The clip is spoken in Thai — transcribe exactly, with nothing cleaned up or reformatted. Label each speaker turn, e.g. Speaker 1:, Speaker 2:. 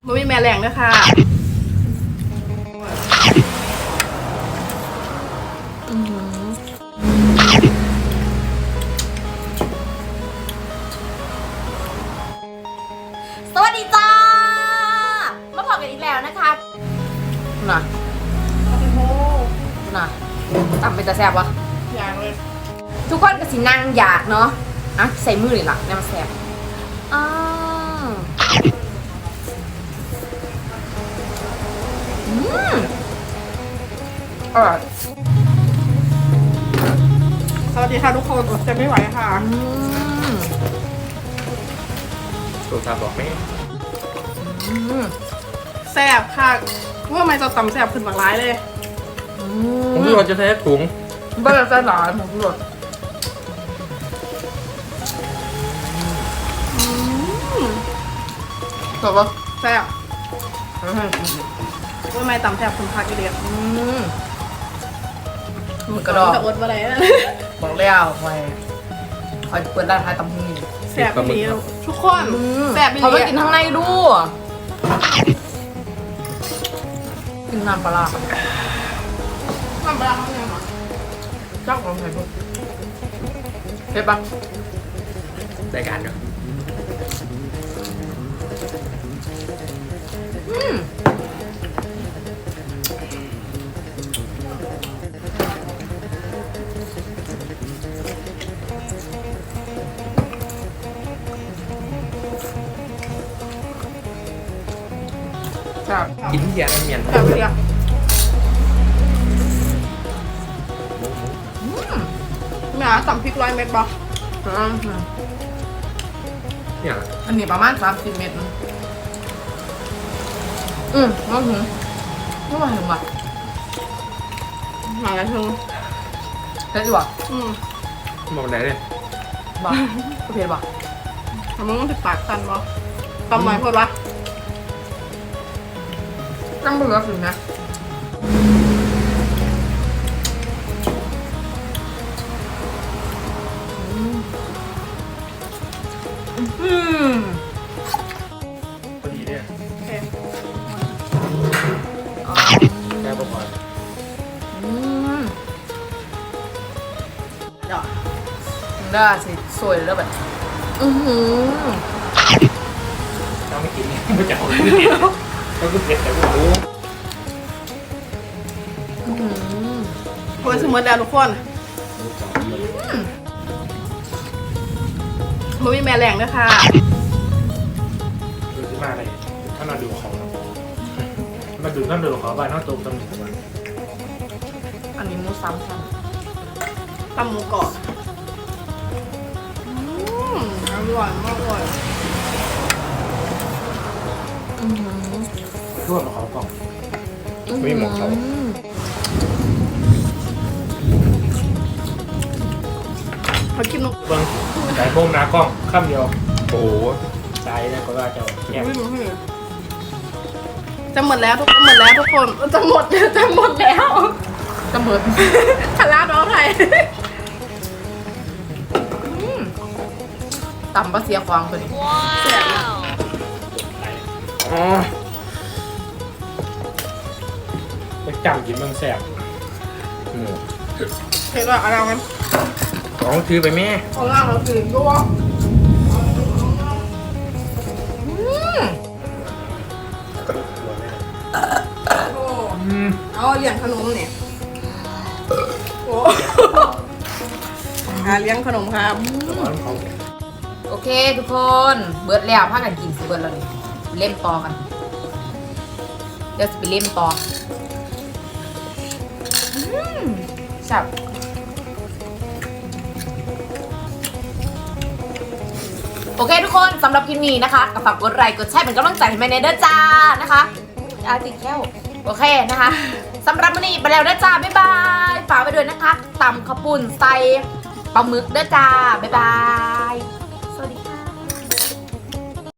Speaker 1: มันมีแม่แรงด้วยค่ะ
Speaker 2: สวัสดีจ้ามาพบกันอีกแล้วนะคะน่ะน่ะตำเป็นตาแซ่บวะ
Speaker 1: อย่างเลย
Speaker 2: ทุกคนก็สินั่งอยากเนาะอ่ะใส่มือเลยล่ะเนี่ยมันแซ่บอ้าวอืมอร่อย
Speaker 1: สวัสดีค่ะทุกคนอดใจไม่ไหวค่ะ
Speaker 2: อืม
Speaker 3: ตัวตาบอกไม่
Speaker 2: อืม
Speaker 1: แซ่บค่ะว่าไม่จะตำแซ่บขึ้นหลากหลายเลย
Speaker 2: อื
Speaker 3: ผม
Speaker 2: ม
Speaker 3: รู้ว่าจะใช้ถุง
Speaker 2: บ้านเราจะหลายหมดเลย
Speaker 1: จบปะแซ่บว่าไม่ตำแซ่บคุณพักกี่เดียว
Speaker 2: อืมหมึกกระดอง
Speaker 1: จะอดมาไหน
Speaker 2: บอกแล้วคอยคอยเปิดร้านขายตำหู
Speaker 1: แซ่บดีทุกคนแซ่บดี
Speaker 2: เขาไปกินข้างในดูกินน้ำปลาร้า
Speaker 1: น้ำปลาเขาเนี่ยหรอ
Speaker 2: จักลองใส่พวกเผ็ดปะ
Speaker 3: รายการเนาะ
Speaker 2: อืมจับ
Speaker 3: กินที่ยาเมียน
Speaker 1: แซ่บดีอ่ะแม่ตำพริกร้อยเม็ดปะ
Speaker 3: เนี่ย
Speaker 2: อันนี้ประมาณสามสิบเมตรนะอืมไม่ถึงไม่มาถึงว่ะ
Speaker 1: หมาละเชิง
Speaker 2: เผ็ดดีว่ะ
Speaker 1: อืม
Speaker 3: มองไหนเลย
Speaker 2: บ่เผ็ดบ่
Speaker 1: ทำไมต้องติดปากกันปะตำหน่อยพูดวะ
Speaker 2: ตั้งเบื่อถึงนะอืม
Speaker 3: พอดีเนี่ย
Speaker 1: โอเค
Speaker 2: อ๋อ
Speaker 3: แค่ประมาณ
Speaker 2: อืม
Speaker 1: เดี๋ยว
Speaker 2: ได้สิสวยแล้วแบบอือหือ
Speaker 3: ต้องไม่กินไม่จะเอาต้องก็เผ็ดแต่ไม่รู้
Speaker 2: อือหือ
Speaker 1: โอ้ยสมมติแล้วทุกคนมันมีแม่แรงด้วยค่ะ
Speaker 3: ดูที่มาเลยถ้ามาดูของมาดูท่านดูของบ้านน้องตูมตำหนิวัน
Speaker 2: อันนี้หมูซ้ำซ้
Speaker 1: ตำหมูกรอบอืมอร่อยมากเลย
Speaker 2: ำอือหือ
Speaker 3: ทั่วมาเขากล่องไม่หมกเขา
Speaker 1: เขากินนก
Speaker 3: เบิ้งสายโบมนากล้องข้ามเดียวโอ้โหใจนะก็ว่าจะแง่
Speaker 1: ไม่รู้เลยจะหมดแล้วทุกคนหมดแล้วทุกคนจะหมดจะหมดแล้ว
Speaker 2: จะเหมือน
Speaker 1: ทาราน้องไทย
Speaker 2: ตำปลาเสียควางตัวนี้
Speaker 1: แซ่บนะ
Speaker 3: อ๋อไปจำกินเมืองแสบหมู
Speaker 1: เห็นว่าอะไรกัน
Speaker 3: ของถือไปแม่
Speaker 1: ของเราเราตื่นด้วย โอ้
Speaker 3: อืม
Speaker 1: เอาเลี้ยงขนมเนี่ยโอ้หาเลี้ยงขนมครับ
Speaker 3: ร้อนเขา
Speaker 2: โอเคทุกคนเบิร์ดแล้วพากันกินสิเบิร์ดแล้วนี่เล่มต่อกันเดี๋ยวจะไปเล่มต่ออืมจับโอเคทุกคนสำหรับคลิปนี้นะคะก็ฝากกดไลค์กดแชร์เป็นกำลังใจให้แม่เนเด้อจ้านะคะอาติดแค่วโอเคนะคะสำหรับวันนี้ไปแล้วนะจ้าบ๊ายบายฝากไปด้วยนะคะตำข้าวปุ้นใส่ปลาหมึกเด้อจ้าบ๊ายบาย